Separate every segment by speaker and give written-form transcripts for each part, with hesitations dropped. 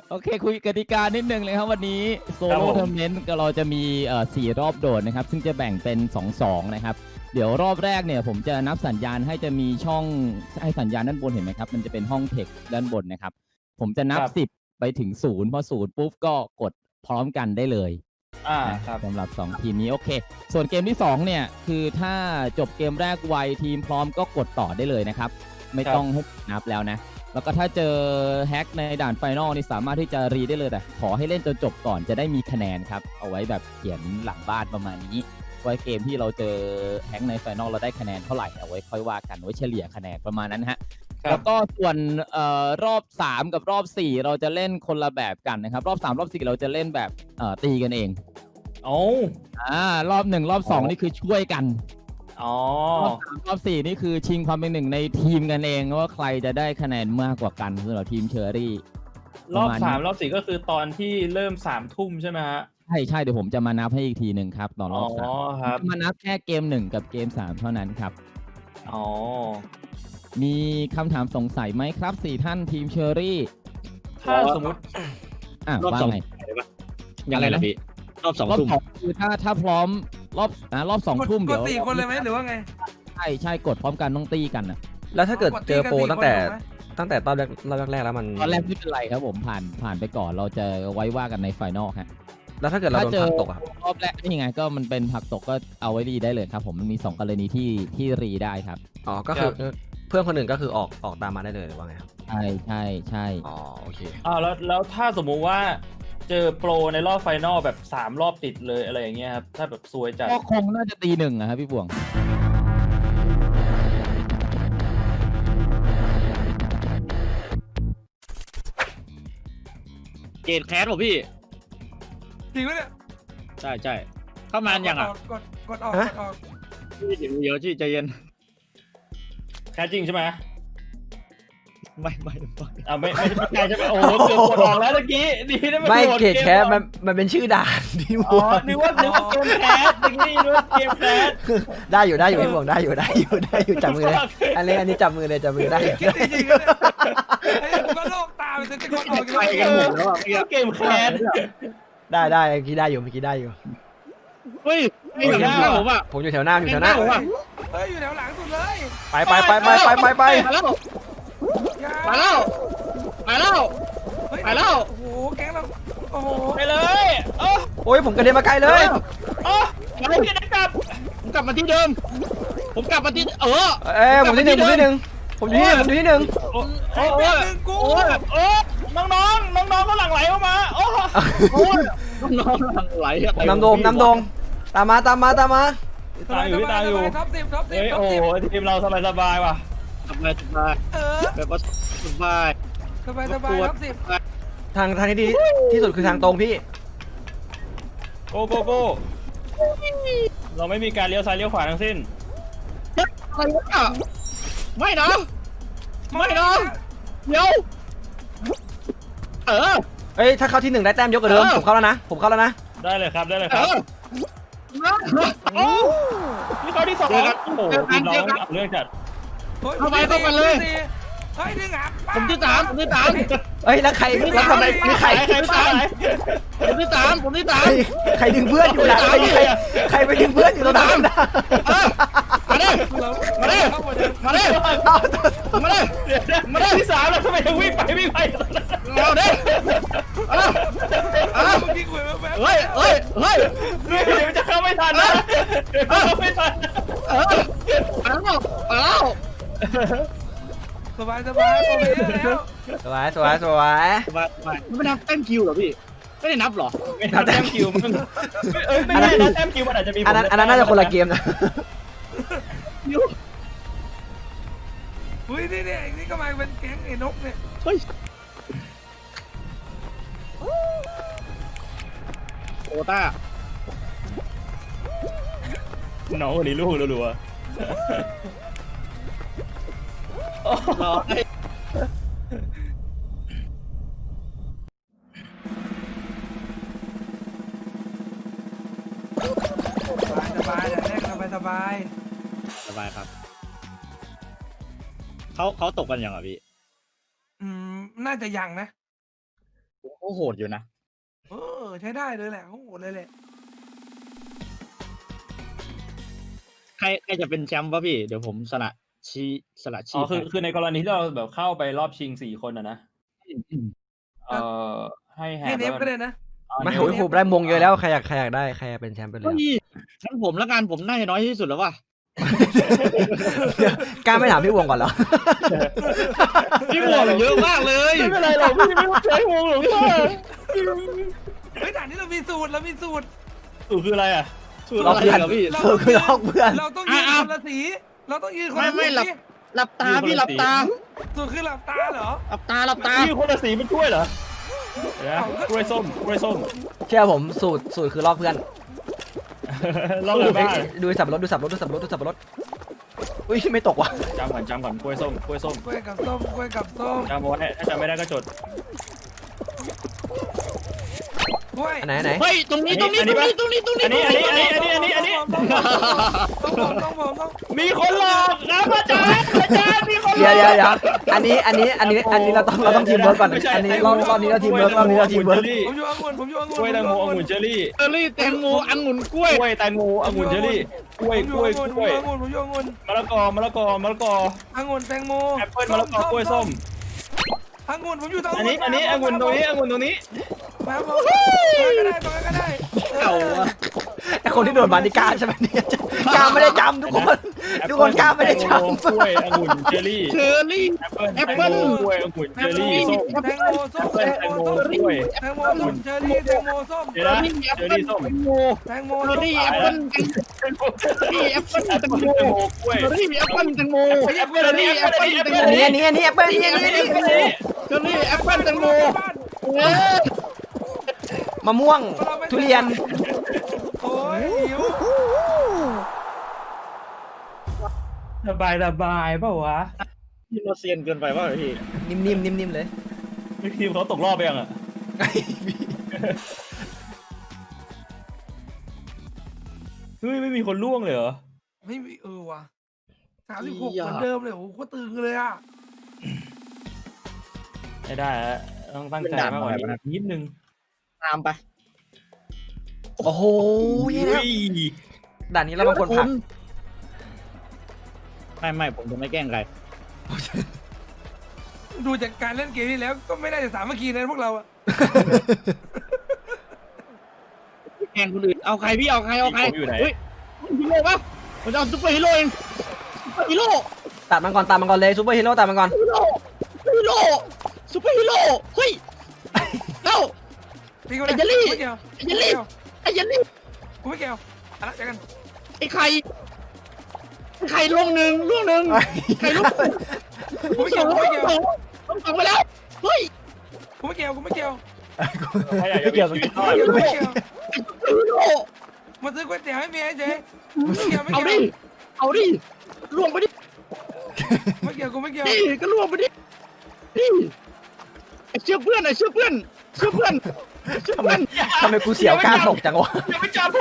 Speaker 1: โอเคคุยกติกานิดนึงเลยครับวันนี้โซโล่ทัวร์นาเมนต์เราจะมี4 รอบโดดนะครับซึ่งจะแบ่งเป็น2-2นะครับเดี๋ยวรอบแรกเนี่ยผมจะนับสัญญาณให้จะมีช่องให้สัญญาณด้านบนเห็นไหมครับมันจะเป็นห้องเทคด้านบนนะครับผมจะนับ10ไปถึง0พอ0ปุ๊บก็กดพร้อมกันได้เลย
Speaker 2: ครับ
Speaker 1: สำหรับ2ทีมนี้โอเคส่วนเกมที่2เนี่ยคือถ้าจบเกมแรกไวทีมพร้อมก็กดต่อได้เลยนะครับไม่ต้องให้นับแล้วนะแล้วก็ถ้าเจอแฮกในด่านไฟนอลนี่สามารถที่จะรีได้เลยแต่ขอให้เล่นจนจบก่อนจะได้มีคะแนนครับเอาไว้แบบเขียนหลังบ้านประมาณนี้ไว้เกมที่เราเจอแฮกในไฟนอลเราได้คะแนนเท่าไหร่เอาไว้ค่อยว่ากันไว้เฉลี่ยคะแนนประมาณนั้นฮะแล้วก็ส่วนรอบ3กับรอบ4เราจะเล่นคนละแบบกันนะครับรอบ3รอบ4เราจะเล่นแบบตีกันเองรอบ1รอบ2นี่คือช่วยกันรอบ3รอบ4นี่คือชิงความเป็นหนึ่งในทีมกันเองว่าใครจะได้คะแนนมากกว่ากันสำหรับทีมเชอรี่
Speaker 2: รอบ3รอบ4ก็คือตอนที่เริ่ม3 ทุ่มใช่ไหมฮะ
Speaker 1: ใช่เดี๋ยวผมจะมานับให้อีกทีหนึ่งครับตอนรอบ3มานับแค่เกม1กับเกม3เท่านั้นครับมีคำถามสงสัยไหมครับ4ท่านทีมเชอรี่
Speaker 2: ถ้าสมมติ
Speaker 1: ว่าไง
Speaker 3: ยังไงล่ะพี่รอบ2 ทุ่ม
Speaker 1: คือถ้าพร้อมรอบ2 ทุ่มเดี๋ยว
Speaker 4: 4 คนเลยไหมหรือว่าไง
Speaker 1: ใช่กดพร้อมกันต้องตีกันนะ
Speaker 3: แล้วถ้าเกิดเจอโปรตั้งแต่ตอนแรกแล้วมัน
Speaker 1: ตอนแรกไม่เป็นไรครับผมผ่านไปก่อนเราจะไว้ว่ากันในไฟนอลครับ
Speaker 3: แล้วถ้าเกิดเราโดนผักตกครับ
Speaker 1: รอบแรกนี่ไงก็มันเป็นผักตกก็เอาไว้รีได้เลยครับผมมันมี2 กรณีที่รีได้ครับ
Speaker 3: ก็คือเพื่อนคนอื่นก็คือออกตามมาได้เลยหรือว่าไงครับ
Speaker 1: ใช่
Speaker 3: โอเค
Speaker 2: แล้วถ้าสมมุติว่าเจอโปรในรอบไฟนอลแบบ3 รอบติดเลยอะไรอย่างเงี้ยครับถ้าแบบซวยจัด
Speaker 1: ก็คงน่าจะตี1อะครับพี่บวง
Speaker 3: เกตแคสป่ะพี่
Speaker 4: จริงไหมเนี่ย
Speaker 3: ใช่เข้ามาอย่าง
Speaker 4: กดออก
Speaker 3: พี่ถึงเยอะที่ใจเย็น
Speaker 2: แคสจริงใช่ไหม
Speaker 3: ไม่
Speaker 2: ใช่ใช่ไหมโอ้โหเกือบกดออกแล้วเมื่อกี้ดีนะ
Speaker 3: ไม่เกตแคสมันเป็นชื่อด่าน
Speaker 2: นี่นึกว่าเกมแคสเมื่อกี้นึกว่าเกมแคส
Speaker 3: ได้อยู่พี่บวงได้อยู่จับมือเลยอันนี้จับมือเลยได้
Speaker 4: จริงๆไอ้ก็โลกตามันจะกดออก
Speaker 2: ไปกันหมดแล้วเกมแคส
Speaker 3: ได้เมื่อกี้ได้อยู่
Speaker 2: เฮ้ยอยู่หน้า
Speaker 3: ผมอยู่แถวหน้า
Speaker 4: ผมอ่ะเฮ้ยอยู่แถวหลังสุดเลย
Speaker 3: ไป
Speaker 2: มาแล้ว
Speaker 4: โอ้โหแก๊งเราโอ้โห
Speaker 2: ไปเลย
Speaker 3: โอ้ยผมกระเด็นมาไกลเลย
Speaker 2: มาให้พี่ได้กลับผมกลับมาที่เดิมผมกลับมาที่
Speaker 3: ผมที่หนึ่งผมอยู่ที่1
Speaker 2: น้องก็หลั่งไหลออกมาน้องหลั่งไหล
Speaker 3: น้ำโดงตามมา
Speaker 2: ตามอยู่
Speaker 4: ท็อป10
Speaker 2: โอ้ทีมเราสบายว่ะ
Speaker 3: สบายแบบว่าสบาย
Speaker 4: ท็อป10
Speaker 3: ทางที่ดีที่สุดคือทางตรงพี่
Speaker 2: โกเราไม่มีการเลี้ยวซ้ายเลี้ยวขวาทั้งสิ้นไม่นะเดี๋ยว
Speaker 3: ถ้าเข้าที่1ได้แต้มยกกว่าเดิมผมเข้าแล้วนะ
Speaker 2: ได้เลยครับนี่เขาที่2โอ้โหทีมเราเรื่องจัด
Speaker 4: เข้าไปเลยเฮ้ยดึง
Speaker 2: ผมที่3
Speaker 3: แล้วใครทำไมมีใคร
Speaker 2: ผมที่3
Speaker 3: ใครดึงเพื่อนอยู่ล่ะใครไปดึงเพื่อนอยู่ตรงนั้นนะ
Speaker 2: มาดิที่3แล้วทำไมถึงวิ่งไปเอาดิเฮ้ยเดี๋ยวจะเข้าไม่ทันนะ
Speaker 4: สบายผมไม่
Speaker 3: สวย
Speaker 2: ไม่นับแต้มคิวเหรอพี่ไม่ได้นับหรอไม่นับแต้มคิวมันไม่ได้นะแต้มคิวมันอาจจะมี
Speaker 3: อันนั้นน่าจะคนละเกมนะ
Speaker 4: นี่ก็มาเป็นแก๊งไอ้นกเนี่ย
Speaker 2: เฮ้ยโอต้าน้องวันนี้ลูกรัวร้อย
Speaker 4: สบาย
Speaker 3: ครับเขาตกกันยังอ่ะพี่
Speaker 4: น่าจะยังนะ
Speaker 2: เขาโหดอยู่นะ
Speaker 4: ใช้ได้เลยแหละโอ้โหเลยแหละ
Speaker 2: ใครจะเป็นแชมป์วะพี่เดี๋ยวผมสละชีพ
Speaker 5: คือในกรณีที่เราแบบเข้าไปรอบชิง4 คนนะให้แฮ
Speaker 4: ให้
Speaker 5: ป
Speaker 4: เนฟก็ได้นะ
Speaker 3: ไม่โอ้ยผมได้มงเยอะแล้วใครอยากได้ใครอยากเป็นแชมป์ไปเลย
Speaker 2: เฮ้ยงั้นผมละกันผมน่าจะน้อยที่สุดแล้วว่ะ
Speaker 3: กล้าไม่ถามพี่วงก่อนเหรอ
Speaker 2: พี่หวงเยอะมากเลยไม่เป็นไรหรอกพี่ไม่ต้องใช้วงหรอกพี่
Speaker 4: เฮ้ยด่านนี้เรามีสูตร
Speaker 5: สูตรคืออะไรอ่ะ
Speaker 2: สูตรอะไรเหรอพี่
Speaker 3: สูตรคือลอกเพื่อน
Speaker 4: เราต้องยืนคนละสีเราต้องยืนคนละสี
Speaker 2: ไม่หลับตาพี่หลับตา
Speaker 4: สูตรคือหลับตาเหรอ
Speaker 2: หลับตา
Speaker 5: มีคนละสีเป็นถ้วยเหรอเดี๋ยวนะกล้วยส้ม
Speaker 3: เชื่อผมสูตรคือลอกเพื่อน
Speaker 5: ลอกอะไรบ้าง
Speaker 3: ดูสับปะรดอุ้ยไม่ตกว่ะ
Speaker 5: จำก่อนกล้วยส้ม
Speaker 4: กล้วยกับส้ม
Speaker 5: จำเอาไว้ถ้าจำไม่ได้ก็จด
Speaker 4: กล้วย
Speaker 3: อันไหน
Speaker 2: เฮ้ยตรงนี้
Speaker 5: ต้องมีคนหลอกนะอาจารย์มีคนหล
Speaker 3: เดี๋
Speaker 5: อย ก
Speaker 3: วอันนี้เราต้องทีมเวิร์กก่อนอันนี้รอบนี้เราทีมเวิร์ก
Speaker 4: ผมอยู่องุ่น
Speaker 5: กล้วยแตงโมองุ่นเจอรี่
Speaker 2: แตงโมองุ่นกล้วย
Speaker 5: แตงโมองุ่นเจอรี่กล้วย
Speaker 4: ผมอยู่องุ่น
Speaker 5: มะละกอองุ่นแตงโม
Speaker 4: แอปเปิ้ล
Speaker 5: มะละกอกล้วยส้ม
Speaker 4: องุ่นผมอยู่ตรง
Speaker 5: อันนี้องุ่นตรงนี้
Speaker 4: มาผมก็ได้
Speaker 2: เอาวะ
Speaker 3: ไอคนที่โดนบานิก้าใช่ไหมเนี่ยกล้าไม่ได้จำทุกคนกล้าไม่ได้จำ
Speaker 5: กล้วยองุ่นเจอรี่
Speaker 2: เชอร์รี่
Speaker 5: แอปเปิ้ลกล้วยองุ่นเจอรี่ส้ม
Speaker 4: แตงโมส้ม
Speaker 5: แตงโมกล้วย
Speaker 4: แตงโมส้มเชอรี่แตงโมส้ม
Speaker 5: เดี๋ยวนะเจอรี่ส้ม
Speaker 4: แตงโม
Speaker 2: เชอร์รี่แอปเปิ้ลแตงโมแตงโม
Speaker 5: กล้วย
Speaker 2: เชอร์รี่แอปเปิ้ลแตงโม
Speaker 5: แอปเปิ้ลอันนี้แอปเปิ้ล
Speaker 3: อันนี้แอปเปิ้ลนี่
Speaker 2: เชอร์รี่แอปเปิ้ลแตงโม
Speaker 3: มะม่วงทุเรียน
Speaker 4: โอ้ยหิว
Speaker 5: สบายเปล่าวะ
Speaker 2: พี่เราเซียนเกินไปว่าพี่
Speaker 3: นิ่มเลย
Speaker 5: ทีมเขาตกรอบไปยังอ่ะเฮ้ยไม่มีคนล่วงเลยเหรอ
Speaker 4: ไม่มีว่ะ36เหมือนเดิมเลยโอ้โหก็ตึงเลยอ่ะ
Speaker 5: ไม่ได้แล้วต้องตั้งใจมากกว่านี้นิดนึง
Speaker 2: ตามไป
Speaker 3: โอ้โหด่านนี้เราบางคนผัก
Speaker 2: ไม่ผมจะไม่แกล้งใคร
Speaker 4: ดูจากการเล่นเกมนี้แล้วก็ไม่น่าจะสามัคคีนะพวกเราอะ
Speaker 2: แกล้งคนอื่นเอาใครพี่เอาใครเฮ้ยฮีโร่ปะผมจะเอาซุปเปอร์ฮีโร่เองซุปเปอร์ฮีโร่
Speaker 3: ตัดมันก่อนเลยซูเปอร์ฮีโร่ตัดมันก่อน
Speaker 2: ซุปเปอร์ฮีโร่เฮ้ยเอ้า
Speaker 4: ตีกันเลยไม่เกี่ยว
Speaker 2: ไอ้ยันลี่
Speaker 4: กูไม่เกี่ยวอะไรเจอกัน
Speaker 2: ไอ้ไข่ล่วงหนึ่งไข่ล่วง
Speaker 4: กูไม่เกี่ยว
Speaker 2: ต้องส่งไปแล้วเฮ้ย
Speaker 4: กูไม่เกี่ยว
Speaker 3: ไม่เกี่ยว
Speaker 2: ฮีโร่
Speaker 4: มาซื้อก๋วยเตี๋ยวให้เมียเจ๊ไม่เกี่ยว
Speaker 2: เอาดิล่วงไปดิ
Speaker 4: ไม่เกี่ยวกูไม่เกี่ยว
Speaker 2: นี่ก็ล่วงไปดินี่ไอ้เชื่อเพื่อน
Speaker 3: ทำไมกูเสียวกล้าตกจังวะ
Speaker 5: อย่าไปจับผม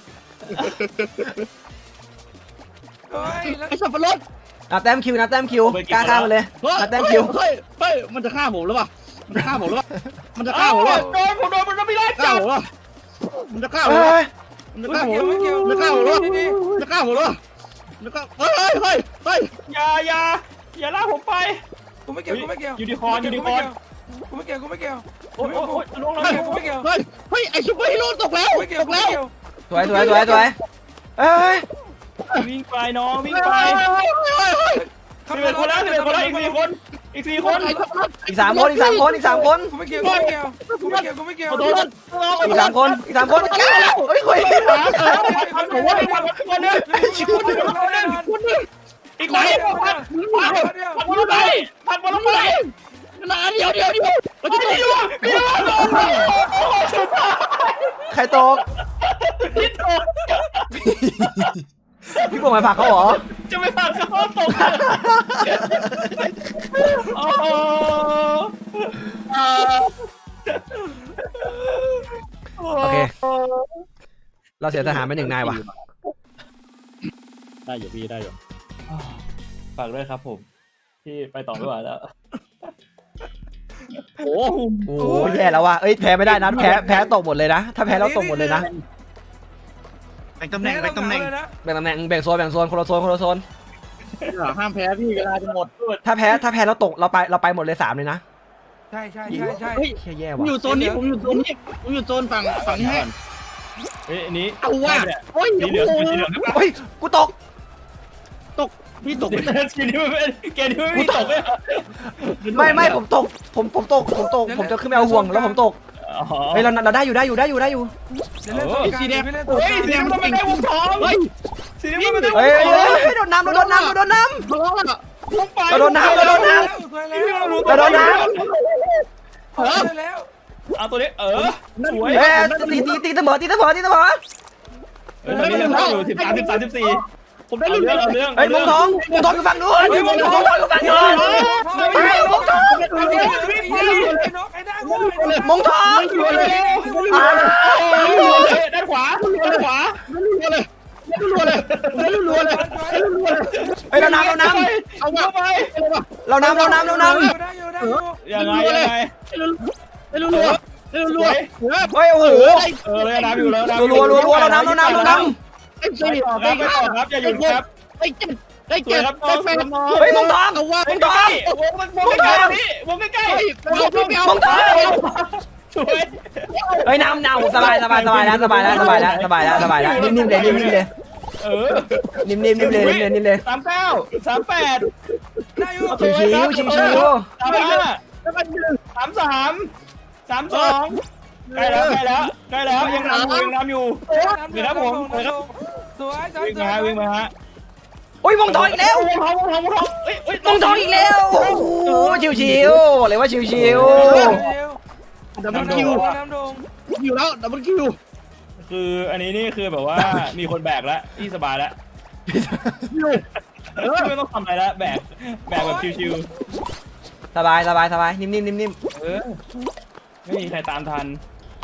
Speaker 4: เฮ้ยแล้ว
Speaker 2: ไอ้สับปะรด
Speaker 3: นับแต้มคิวกล้าฆ่ามันเลยนับแต้มคิว
Speaker 2: เฮ้ยมันจะฆ่าผมหรือเปล่ามันจะฆ่าผมหรือเปล่ามันจะฆ่าผมหรือเปล่า
Speaker 5: โดนมันไม่ได้
Speaker 2: ฆ่า
Speaker 5: จับ
Speaker 2: ผมหรือเปล่ามันจะฆ่าผมหรือเปล่ามันจะฆ่าผมหรือเปล่ามันจะฆ่าผมหรือเปล่ามันจะฆ่าผมหรือเปล่ามันจะฆ่าเฮ้ย
Speaker 5: อย่าลากผมไป
Speaker 4: กูไม่เกี่ยว
Speaker 5: ยูนิคอร์น
Speaker 4: กูไม่เกี่ยว
Speaker 5: โอ้ยลง
Speaker 4: กูไม่เกี่ยว
Speaker 2: เฮ้ยไอ้ซุปเปอร์ฮีโร่ตกแล้ว
Speaker 4: ไม่เกี่ยว
Speaker 3: สวยเอ้ย
Speaker 5: วิ่งไปน้องวิ่งไป 11 คนแล้วอีก 4 คน
Speaker 3: อีก3 คน
Speaker 4: กูไม่เกี่ยว
Speaker 2: โดน
Speaker 3: อีก3 คนเฮ้ยคุย
Speaker 5: ผมว่าผัดคนนึงอีกคนนึงอีกคนนึงผัดบอลไป
Speaker 2: นาเดี๋ยวเราจะไปดู
Speaker 3: ใครตกพี่บวงมาผักเขาเหรอ
Speaker 5: จะไม่ผัดเขาตกโอ้โห
Speaker 3: โอเคเราเสียทหารไป1 นายว่ะ
Speaker 2: ได้อยู่พี่ได้อยู่
Speaker 5: ฝากด้วยครับผมที่ไปต่อไม่ไหวแล้ว
Speaker 2: โอ้โห
Speaker 3: โอ้โหแย่แล้วว่ะเอ้ยแพ้ไม่ได้นะแพ้ตกหมดเลยนะถ้าแพ้เราตกหมดเลยนะ
Speaker 2: แบ่งตำแหน่งแบ่งตำแหน่ง
Speaker 4: เลยนะ
Speaker 3: แบ่งตำแหน่งแบ่งโซนคนละโซน
Speaker 2: ห้ามแพ้พี่เวลาจะหมด
Speaker 3: ถ้าแพ้เราตกเราไปหมดเลย3เลยนะ
Speaker 4: ใช่
Speaker 2: เฮ้ย
Speaker 3: แย่
Speaker 2: ผม
Speaker 3: ว่ะ
Speaker 2: อยู่โซนนี้ผมอยู่โซนนี้ผมอยู่โซนฝั่งนี้ให้
Speaker 5: เฮ้ยอันนี้
Speaker 2: เอาว่ะโอ้ย
Speaker 5: สีเหลืองสีเหลือง
Speaker 3: เฮ้ยกูตก
Speaker 2: พี่ตก
Speaker 5: สีนี้ไม่เกมนี้ไม่มีตกเลย
Speaker 3: ไม่ผมตกผมจะขึ้นไปเอาห่วงแล้วผมตก
Speaker 5: อ๋อ
Speaker 3: เฮ้ยเราได้อยู่
Speaker 4: เดี๋ยวเล่นตัวกลางไม่เล่นตัว
Speaker 5: เฮ้ยสีนี้มันไม่ได้วงทอง
Speaker 2: เฮ้ย
Speaker 5: สีนี้มันไม่ได้วง
Speaker 3: เฮ้ย
Speaker 5: ทอง
Speaker 3: โดนน้ำ
Speaker 2: มาแล้วอ่ะ
Speaker 5: ต้องไป
Speaker 3: เราโดนน้ำ
Speaker 4: สวยแล้ว
Speaker 3: เราโดนน้
Speaker 4: สวยแล้ว
Speaker 5: เอาตัวนี้สวย
Speaker 3: เฮ้ยตีเสมอ
Speaker 5: ตอนนี้เราอยู่13
Speaker 2: ผมได้รุ่น
Speaker 5: เอาเรื่อง
Speaker 3: เฮ้ยมงทองอยู่ฝั่งนู้นมงทองอยู่ฝั่งนู้น
Speaker 4: ไอ้ได้โว้ย
Speaker 3: มงทอง
Speaker 5: ด้านขวา
Speaker 2: รัวเลย
Speaker 3: เฮ้ยเราน้ำ
Speaker 2: เอามาไป
Speaker 3: เราน้ำ
Speaker 4: ได้อยู่
Speaker 5: ยังไง
Speaker 2: รัว
Speaker 3: เฮ้ยโอ้โห
Speaker 5: เลยน้ำอยู่แล้ว
Speaker 3: รัวเราน้ำ
Speaker 2: ไอ้
Speaker 5: ไม่
Speaker 2: สี่
Speaker 5: ต่อครับไม่ต่อครับอย่าหยุดครับ
Speaker 2: ไอ้เจ็ดไอ้เจ็ดไอ้แปด
Speaker 3: เฮ้ยมงทอง
Speaker 2: เอาว่า
Speaker 5: วงใกล้พี่วงใกล้
Speaker 3: มงทอง
Speaker 5: สวย
Speaker 3: เฮ้ยน้ำสบายแล้วนิ่มเลยนิ่มเลย
Speaker 5: 39 38
Speaker 4: ได้อยู่
Speaker 3: ชิว
Speaker 5: 33 32ใกล้แล้วยังนำอยู่วิ่งมาฮะ
Speaker 3: โอ้ยมงทองอีกแล้ว
Speaker 5: วงทอง
Speaker 3: มงทองอีกแล้วโอ้โหชิวเลยว่าชิว
Speaker 2: ดับเบิลคิว
Speaker 4: น้ำดง
Speaker 2: คิวแล้วดับเบิลคิว
Speaker 5: คืออันนี้นี่คือแบบว่ามีคนแบกแล้วที่สบายแล้วไม่ต้องทำอะไรแล้วแบกแบบชิว
Speaker 3: สบายนิ่ม
Speaker 5: ๆไม่มีใครตามทัน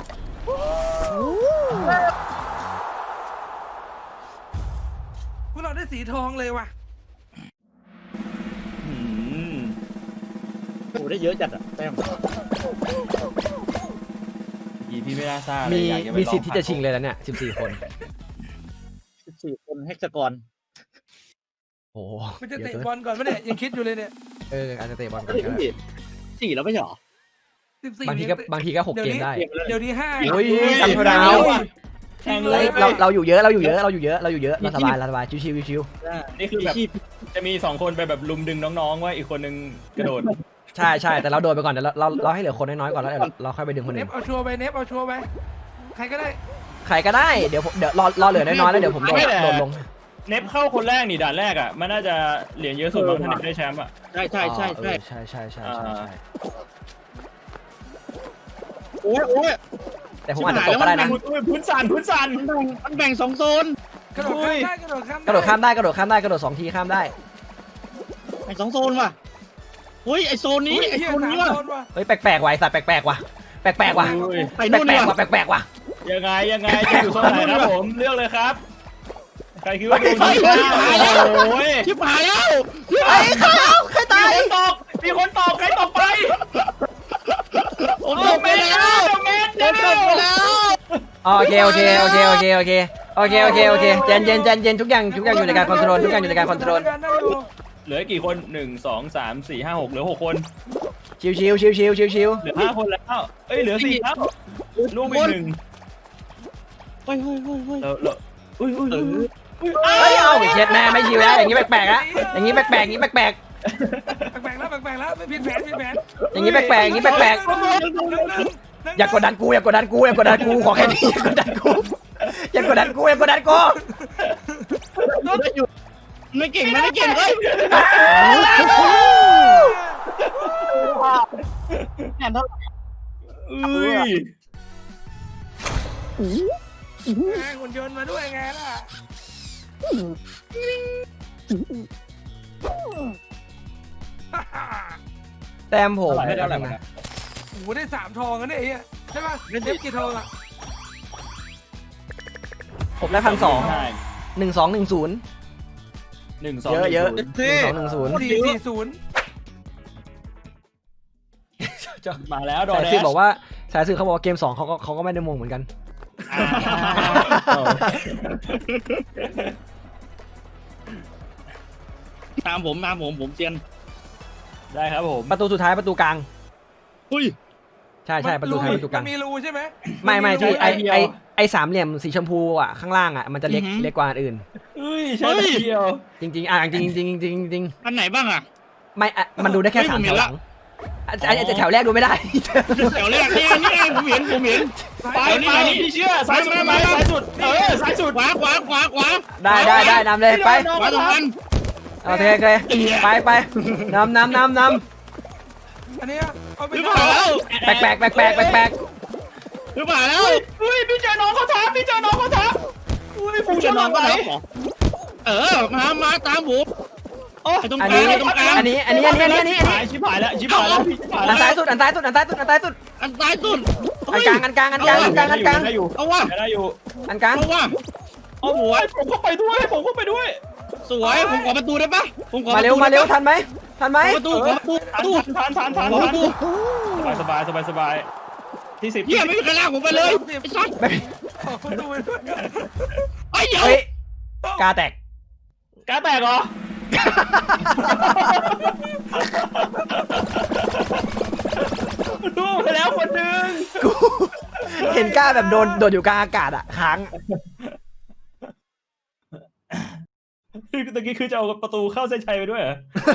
Speaker 4: พวกเราได้สีทองเลยว่ะ
Speaker 2: โอ้ได้เยอะจัดอ่ะแต้ม
Speaker 5: พี่ไม่น่าทราบ
Speaker 3: มีสิทธิ์ที่จะชิงเลยแล้วเนี่ย14 คน
Speaker 2: 14 คนเฮกซากอน
Speaker 3: โอ้
Speaker 4: มันจะเตะบอลก่อนไหมเนี่ยยังคิดอยู่เลยเนี่ย
Speaker 3: อาจจะเตะบอลกัน
Speaker 2: 4แล้วไม่ใช่หรอ
Speaker 4: 14
Speaker 3: บางทีก็6 เกมได้
Speaker 4: เดี๋ยวนี้5
Speaker 3: โอ้ยจำเท่าดาว
Speaker 5: แข่งเลย
Speaker 3: เราอยู่เยอะเราสบายชิว
Speaker 5: นี่คือแบบจะมี2คนไปแบบลุมดึงน้องๆว่าอีกคนนึงกระโดด
Speaker 3: ใช่แต่เราโดนไปก่อนแต่เราให้เหลือคนน้อยๆก่อนแล้วเราค่อยไปดึงคน
Speaker 4: เน
Speaker 3: อื่
Speaker 4: ฟ
Speaker 3: น
Speaker 4: เอาชัวร์ไปเนฟเอาชัวร์ไปใครก็ได้
Speaker 3: ใครก็ได้เดี๋ยวรอเหลือน้อยๆแล้วเดี๋ยวผมโดนลง
Speaker 5: เนฟเข้าคนแรกนี่ด่านแรกอ่ะมันน่าจะเหรียญเยอะสุดมั้งถ้าเนฟได้แชมป์อ่ะ
Speaker 2: ใช่ โอ้ย
Speaker 3: แต่ผมอาจจะตกก็ได้นะ
Speaker 5: พื้นสั่น
Speaker 2: มันแบ่ง2โซน
Speaker 4: กระโดดข้ามได้กระโดดข้าม
Speaker 3: กระโดด2 ทีข้ามได้
Speaker 2: แบ่ง2โซนว่ะเฮ้ยไอโซนนี้ไอโซนนี้ว่ะ
Speaker 3: เฮ้ยแปลกๆว่ะสัตว์แปลกๆว่ะ
Speaker 2: ไปนู่นเลยว่ะ
Speaker 3: แปลกๆว่ะ
Speaker 5: ยังไงจะอยู่โซนไหนครับผมเลือกเลยครับใครคิดว่าดู โอ้ย
Speaker 2: ชิบหายแล้ว
Speaker 3: ไอ้ใครตาย
Speaker 5: มีคนตกใครตกไป
Speaker 2: ผมตกไปแล้วผมตกไปแล้ว
Speaker 3: โอเคใจเย็นทุกอย่างอยู่ในการคอนโทรล
Speaker 5: เหลือกี่คน1 2 3 4 5 6เหลือ6คน
Speaker 3: ชิว
Speaker 5: เหลือ5คนแล้วเอ้ยเหลือ4แล้วลูกอีก1
Speaker 2: เฮ้ย
Speaker 5: แล้วอุ้ย
Speaker 3: เฮ้ยเอาเช็ดแม่ไม่ชิวแล้วอย่างนี้แปลกๆแล้วอย่างนี้แปลกๆ
Speaker 4: แปลกแล้วไม่ผิดแผน
Speaker 3: อย่างนี้แปลกอย่ากดดันกูขอแค่นี้อย่ากดดันกู
Speaker 2: ไม่เก่งเฮ้ยแหนเท่าไหร่
Speaker 4: หุ่นยนต์มาด้วยไงล่ะ
Speaker 3: แต้มผม
Speaker 5: ไม่ได้อะไรนะ
Speaker 4: โอ้โหได้3 ทองกันเนี่ยใช่ป่ะเนฟกี่ทองอ่ะ
Speaker 3: ผมได้1,200 1210
Speaker 5: 1 2
Speaker 3: เยอะ
Speaker 2: เท่
Speaker 3: 1210
Speaker 4: 440
Speaker 5: มาแล้วดอ
Speaker 3: สาย
Speaker 5: แด
Speaker 3: สืบ
Speaker 5: ช
Speaker 3: บอกว่าสายสืบเขาบอกว่าเกม2เขาก็ไม่ได้มงเหมือนกัน
Speaker 2: ตามผมเซียน
Speaker 5: ได้ครับผม
Speaker 3: ประตูสุดท้ายประตูกลาง
Speaker 2: อุ้ย
Speaker 3: ใช่ประตูท้ายประตูกลาง
Speaker 4: มันมีรูใช่ไหม
Speaker 3: ไม่ที่
Speaker 5: ไอเดียว
Speaker 3: ไอสามเหลี่ยมสีชมพูอ่ะข้างล่างอ่ะมันจะเล็กกว่าอันอื่น
Speaker 5: เอ้ยใช่เดียว
Speaker 3: จริงจริง
Speaker 2: อันไหนบ้างอะ
Speaker 3: ไม่อะมันดูได้แค่
Speaker 2: เฮ้ย
Speaker 3: สาม
Speaker 2: ผมเห็
Speaker 3: แถ
Speaker 2: น
Speaker 3: วห
Speaker 2: ละ
Speaker 3: ลังแต่แถวแรกดูไม่ได้
Speaker 2: แถวแรกนี่ผมเห็น
Speaker 5: ไปพี่เชื่อซ้ายสุดไปซ้ายสุดซ้ายสุด
Speaker 2: ขวา
Speaker 3: ได้นำเลยไป
Speaker 2: ขวาตรงนั้น
Speaker 3: โอเคไปนำ
Speaker 4: อันเนี้ยเอาไป
Speaker 2: หรือเปล่าแล้ว
Speaker 3: แปลก
Speaker 2: หรือเปล่าแล้ว
Speaker 5: เฮ้ยพี่เจอน้องเขาทับอุ้ยฟูชนน้องไป
Speaker 2: มาตามผม
Speaker 5: โอ้
Speaker 2: ตรงกลางตรงกลาง
Speaker 3: อันนี้
Speaker 5: ชิบหายแล้วชิบหายแล้ว
Speaker 3: อันซ้ายสุด
Speaker 2: อันซ้ายสุด
Speaker 3: อันกลาง
Speaker 5: ได้อยู่
Speaker 2: เอาวะ
Speaker 5: ได้อยู่
Speaker 3: อันกลาง
Speaker 2: เอาวะ
Speaker 5: เอาหัวผมเข้าไปด้วย
Speaker 2: สวยผมขอประตูได้ปะผมขอ
Speaker 3: มาเร็วทันไหม
Speaker 2: ประตู
Speaker 5: ทาน
Speaker 2: ประตู
Speaker 5: สบายที่10
Speaker 2: เฮียไม่มีใครลากผมไปเลยไอ้สัส
Speaker 4: ขอประตูไปด้วย
Speaker 2: ไอ้เหี้ย
Speaker 3: เฮ้ยกาแตก
Speaker 5: กาแตกเหรอดูไปแล้วคนนึง
Speaker 3: กูเห็นกล้าแบบโดนอยู่กลางอากาศอ่ะค้าง
Speaker 5: ตะกี้คือจะเอาประตูเข้าเส้นชัยไปด้วยเหรอ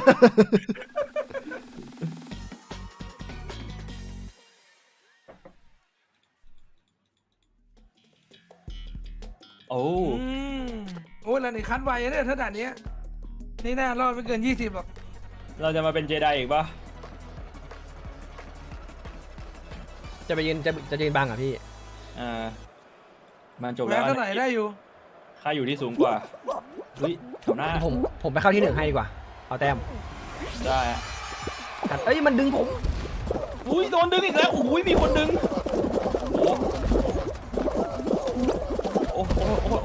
Speaker 5: โอ้
Speaker 4: โอ้ยแล้วนี่คันไวเนี่ยถ้าด่านนี้นี่น่ารอดไม่เกิน20หรอก
Speaker 5: เราจะมาเป็นเจไดอีกปะ
Speaker 3: จะยืนบังอ่ะพี่
Speaker 5: มันจบ
Speaker 4: แล้
Speaker 5: แล้ว ว
Speaker 4: เท่าไหร่ได้อยู่
Speaker 5: ค่าอยู่ที่สูงกว่าอุ้ยแถวหน้า
Speaker 3: ผมไปเข้าที่ 1ให้ดีกว่าเอาแต้ม
Speaker 5: ได้
Speaker 3: เอ้ยมันดึงผม
Speaker 5: อุ้ยโดนดึงอีกแล้วอุ้ยมีคนดึงโอ้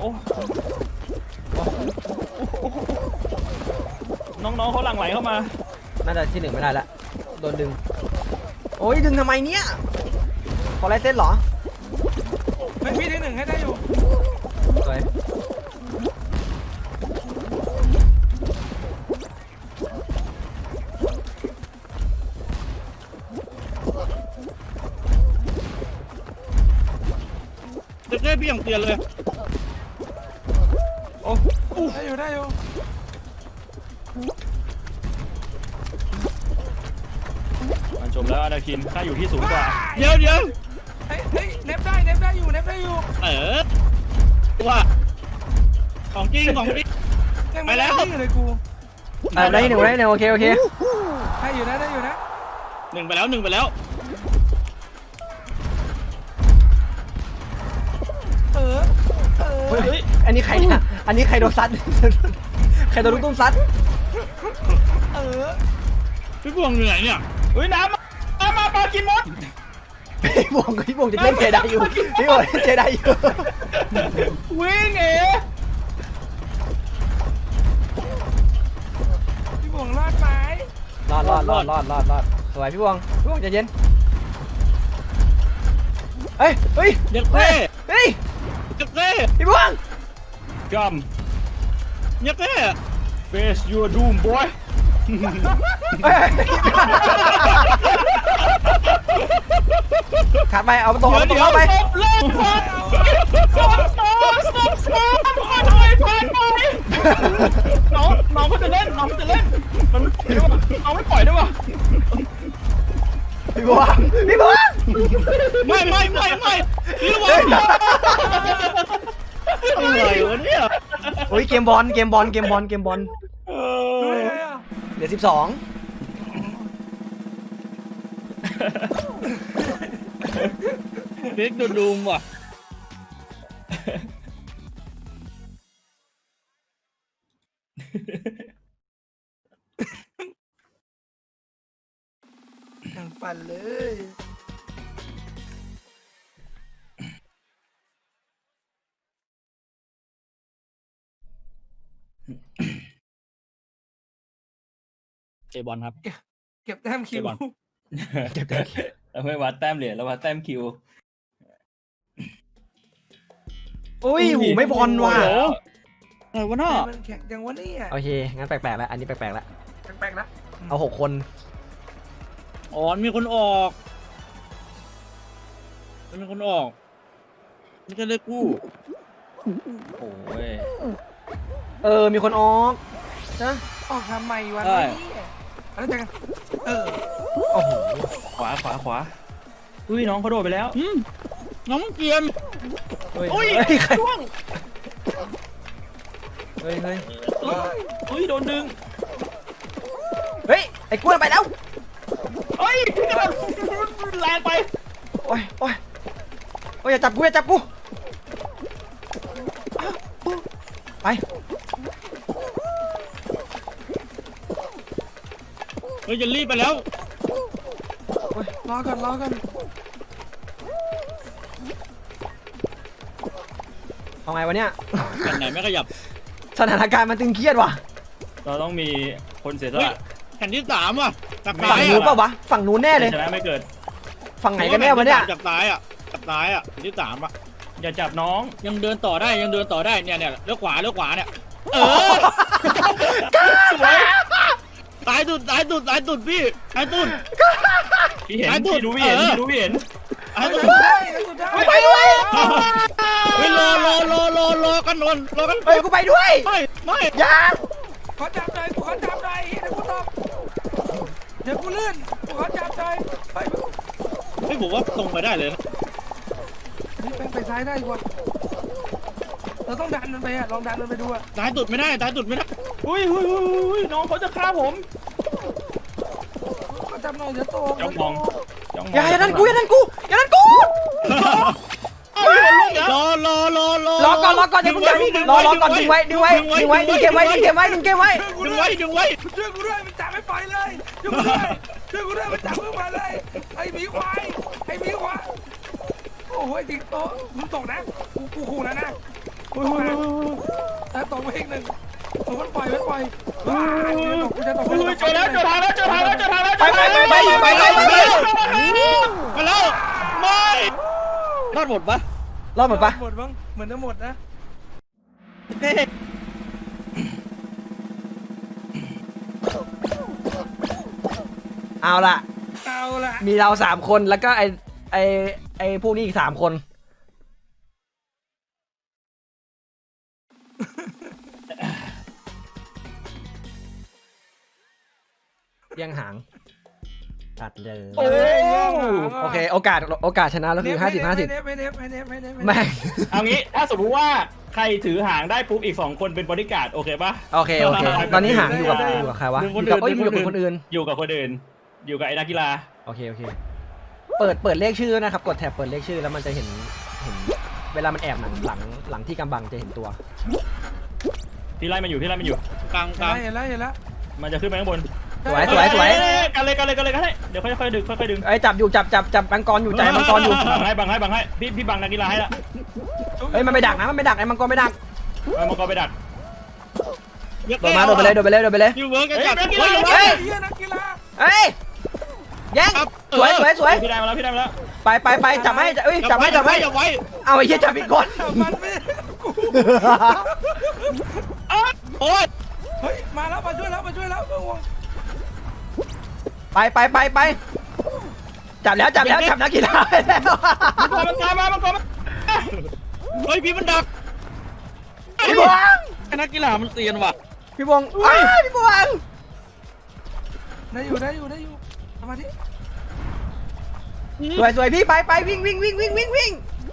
Speaker 5: น้องๆเขาหลั่งไหลเข้ามา
Speaker 3: น่าจะที่ 1ไม่ได้ละโดนดึงโอ้ยดึงทำไมเนี่ยขอลายเส้นเหรอ
Speaker 4: ไม่พี่ที่1ให้ได้อยู่
Speaker 3: สวย
Speaker 2: เจ๊พี่ยังเตือนเลย
Speaker 5: โอ้
Speaker 4: ได้อยู่
Speaker 5: มันจบแล้วอนาคินค่าอยู่ที่สูงกว่า
Speaker 2: เดี๋ยว
Speaker 4: เฮ้ยเน็บได้อยู่
Speaker 2: ว่าของจริง
Speaker 4: ยังไม่ได้อยู่เลยกู
Speaker 3: ได้ที่ 1ได้ที่ 1โอเค
Speaker 4: ได้อยู่นะ
Speaker 2: หนึ่งไปแล้ว
Speaker 3: เฮ้ยอันนี้ใครเนี่ยอันนี้ใครโดนซัด ใครโดนลูกตุ้มซัด
Speaker 2: พี่พวงเหนื่อยเนี่ย
Speaker 5: เฮ้ยน้ำมาปลากินมด
Speaker 3: พี่บวงจะเล่นเจไดอยู่พี่บวงเล่นเจไดอยู่
Speaker 5: วิ่ง
Speaker 4: พี่บ่วงรอดไหม
Speaker 3: รอดสวยพี่บวงใจเย็นเฮ้ย
Speaker 2: เจ๊
Speaker 3: เฮ้ย พี่บวง
Speaker 5: กัม
Speaker 2: เจ๊
Speaker 5: face your doom boy
Speaker 3: ขาดไปเอาประตูเข้าไป
Speaker 5: เลิกก่อนสอนหน่อยผ่านไปน้องเขาจะเล่นมันน้องไม่ปล่อยด้วยวะ
Speaker 3: พี่บวง
Speaker 2: ไม่พี่ระวังอะไรวะเนี่ย
Speaker 3: โอ้ยเกมบอล
Speaker 4: รู้ได้ไงอ่ะ
Speaker 3: เหลือ12
Speaker 2: เด็กดูมว่ะ
Speaker 4: ยังปั่นเลย
Speaker 2: เจบอลครับ
Speaker 4: เก็บแต้มคิว
Speaker 5: เราไม่วัดแต้มเหรียญเราวัดแต้มคิว
Speaker 3: อุ้ยหูไม่บอลว่ะ
Speaker 2: อะไรวะน่ะ
Speaker 4: มันแข่งจังวะเนี่ย
Speaker 3: โอเคงั้นแปลกๆแล้วอันนี้แปลกๆแล้ว
Speaker 4: แปลกๆนะ
Speaker 3: เอา6 คน
Speaker 2: อ๋อมีคนออกมีคนออกไม่ใช่เลขกู้
Speaker 5: โอ้ย
Speaker 3: มีคนออกนะ
Speaker 4: ออกทำไมวะเนี่ยอะไรจัง
Speaker 3: โอ้โห
Speaker 5: ขวาอุ้ยน้องเขาโดดไปแล้ว
Speaker 2: น้องเกียน
Speaker 3: เฮ้ย
Speaker 2: อุ้ย
Speaker 3: เฮ้ยใคร
Speaker 2: ร่วง
Speaker 3: เฮ้ย
Speaker 5: อุ้ยโดนดึง
Speaker 3: เฮ้ยไอ้กล้วยไปแล้ว
Speaker 5: เฮ้ยแรงไป
Speaker 3: โอ้ยอย่าจับกูอย่าจับกูไป
Speaker 2: เฮ้ยจะรีบไปแล้ว
Speaker 4: รอก่อน
Speaker 3: เอาไงวะเนี่ย
Speaker 2: กันไหนไม่ขยับ
Speaker 3: สถานการณ์มันตึงเครียดว่ะ
Speaker 5: เราต้องมีคนเสียสละ
Speaker 2: แผ่นที่3ว่ะจาก
Speaker 3: ฝั่
Speaker 2: ซ้าง ย
Speaker 3: นู้นเปล่าวะฝั่งนู้นแน่เลย
Speaker 5: ชนะไม่เกิด
Speaker 3: ฝั่งไหนกันแน่วะเนี่ย
Speaker 2: จากซ้ายอ่ะจากซ้ายอ่ะแผ่นที่3อ่ะ
Speaker 5: อย่าจับน้อง
Speaker 2: ยังเดินต่อได้เนี่ยเลี้ยวขวาเนี่ยซ้ายตุดพี่ซ้ายตุด
Speaker 5: พี่เห็น
Speaker 2: ไอ้ตุ๊ด
Speaker 5: พี่ดูพี่เห็น
Speaker 2: เออ
Speaker 5: พี่ดูพี่เห็น
Speaker 2: ซ้ายตุด
Speaker 3: ไปด้วย
Speaker 2: เฮ้ยรอกันนนรอกัน
Speaker 3: เฮ้ยกูไปด้วย
Speaker 2: ไม่
Speaker 3: อย่า
Speaker 4: ขอจับหน่อยเดี๋ยวกูลื่นขอจับหน่อยไป
Speaker 2: ไม่ผมว่าตรงไปได้เลยนะ
Speaker 4: นี่ไปซ้ายได้กว่าเราต้องดันมันไปลองดันมันไปดู
Speaker 2: ซ้ายตุดไม่ได้
Speaker 5: อุ้ยน้องเขาจะฆ่าผม
Speaker 4: ขอจับหน่อยเดี๋ยวโต
Speaker 5: จ้องมอง
Speaker 3: อย่านั่นกู
Speaker 2: รอ
Speaker 3: ก่อนอย่าเพิ่งรอก่อนดึงไว้ดึงเกมไว้
Speaker 4: ดึงไว้
Speaker 2: ดึงไว้
Speaker 4: ช่วยกูด้วยมันจับไม่ปล่อยเลยช่วยกูด้วยมันจับมึงมาเลยไอ้หมีควายโอ้โหจริงโตมึงตกนะกูขู่แล้วนะตกไปอีกหนึ่งมันปล่อยกูจะตก
Speaker 5: เจอทางแล้ว
Speaker 3: ไป
Speaker 2: มาแล้วไม่รอดหมดปะ
Speaker 3: รอดหมดปะ
Speaker 4: หมดบ้างเหมือนจะหมดนะ
Speaker 3: เอาล่ะ มีเรา3 คนแล้วก็ไอ้พวกนี้อีก3 คนเลี้ยงหางตัดเลย โอเคโอกาสชนะแล้วคือ50-50แม่ง
Speaker 5: เอางี้ถ้าสมมติว่าใครถือหางได้ปุ๊บอีก2 คนเป็นบริการดโอเคปะ
Speaker 3: โอเคตอนนี้หางอยู่กับใครวะอยู่กับคนอื่น
Speaker 5: อยู่กับคนอื่นอยู่กับไอ้นักกีฬา
Speaker 3: โอเคเปิดเลขชื่อนะครับกดแท็บเปิดเลขชื่อแล้วมันจะเห็นเวลามันแอบหลังที่กำบังจะเห็นตัว
Speaker 5: พี่ไล่มันอยู่
Speaker 2: กลาง
Speaker 4: เห็นแล้ว
Speaker 5: มันจะขึ้นไปข้างบน
Speaker 3: สวย
Speaker 5: กันเลยเดี๋ยวค่อยๆดึง
Speaker 3: ไอ้จับอยู่จับมังกรอยู่ใจมังกรอยู่
Speaker 5: บังให้พี่บังนักกีฬาให้ละ
Speaker 3: เฮ้ยมันไปดักนะไอ้มังกรไม่ดัก
Speaker 5: มังกรไปดัก
Speaker 3: โดดไปเลย
Speaker 2: ยูเวิร์กกันจัด
Speaker 4: นักกีฬา
Speaker 3: เฮ้ยแย่งสวย
Speaker 5: พี่ได้มาแล้ว
Speaker 3: ไปจับให้จับให้ เอาไอ้เหี้ยจับอีกคน
Speaker 4: มันไม่กู
Speaker 2: โอ๊ย
Speaker 4: เฮ้ยมาแล้วมาช่วยแล้วไม่ห่วง
Speaker 3: ไปจับนักกีฬาแล้ว
Speaker 5: มังกรมา
Speaker 2: เฮ้ยพี่มันดัก
Speaker 3: พี่บวง
Speaker 2: ไอ้นักกีฬามันเซียนว่ะ
Speaker 3: พี่บวง
Speaker 4: ได้อยู่ทำมาดิ
Speaker 3: สวยพี่ไปวิ่ง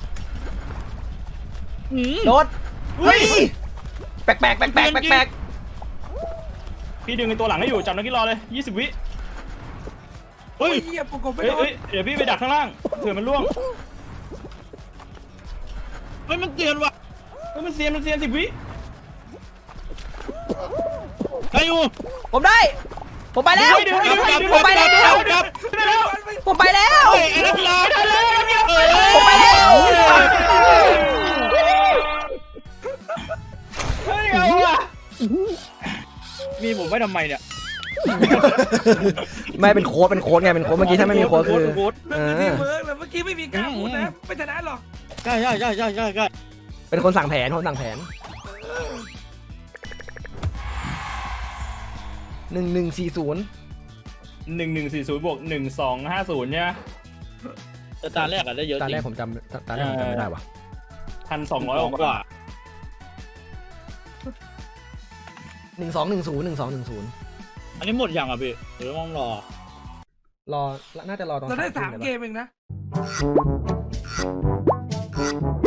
Speaker 3: โดดเฮ้ยแปลก
Speaker 5: พี่ดึงในตัวหลังให้อยู่จับนักกีฬาเลย20 วิ
Speaker 4: เฮ้ยเหี้ยปกบไปโดน
Speaker 5: เดี๋ยวพี่ไปดักข้างล่างเผื่อมันล่วง
Speaker 2: เฮ้ยมันเซียนว่ะ
Speaker 5: มันเซียน10 วิ
Speaker 2: ได้อยู่
Speaker 3: ผมไปแล้ว
Speaker 2: ผมไปแล้ว
Speaker 3: เฮ้ย
Speaker 2: ไอ้นักกีฬา
Speaker 3: ผมไปแล้ว
Speaker 5: เฮ้ยเอาว่ะ
Speaker 2: มีผมไว้ทำไมเนี่ย
Speaker 3: ไม่เป็นโค้ดไงเป็นโค้ดเมื่อกี้ถ้าไม่มีโค้ดคือ
Speaker 2: โค้ด
Speaker 4: เมื่อกี้เวิร์กเลยเมื่อกี้ไม่มีการพูดนะไม่ชนะหรอก
Speaker 2: ใช่
Speaker 3: เป็นคนสั่งแผน1140
Speaker 5: 1140 บวก 1250ใช่ไหม
Speaker 2: แต่ตาแรกอะได้เยอะจ
Speaker 3: ตา
Speaker 2: ริ
Speaker 3: แรก
Speaker 2: ง
Speaker 3: ผมจำไม่ได้ว่ะ
Speaker 5: 1,200
Speaker 2: กว่า
Speaker 3: 1210
Speaker 2: อันนี้หมดยังอ่ะพี่หรือต้องรอ
Speaker 3: น่าจะรอตอน
Speaker 4: เราได้
Speaker 3: 3
Speaker 4: 3 เกมเองนะ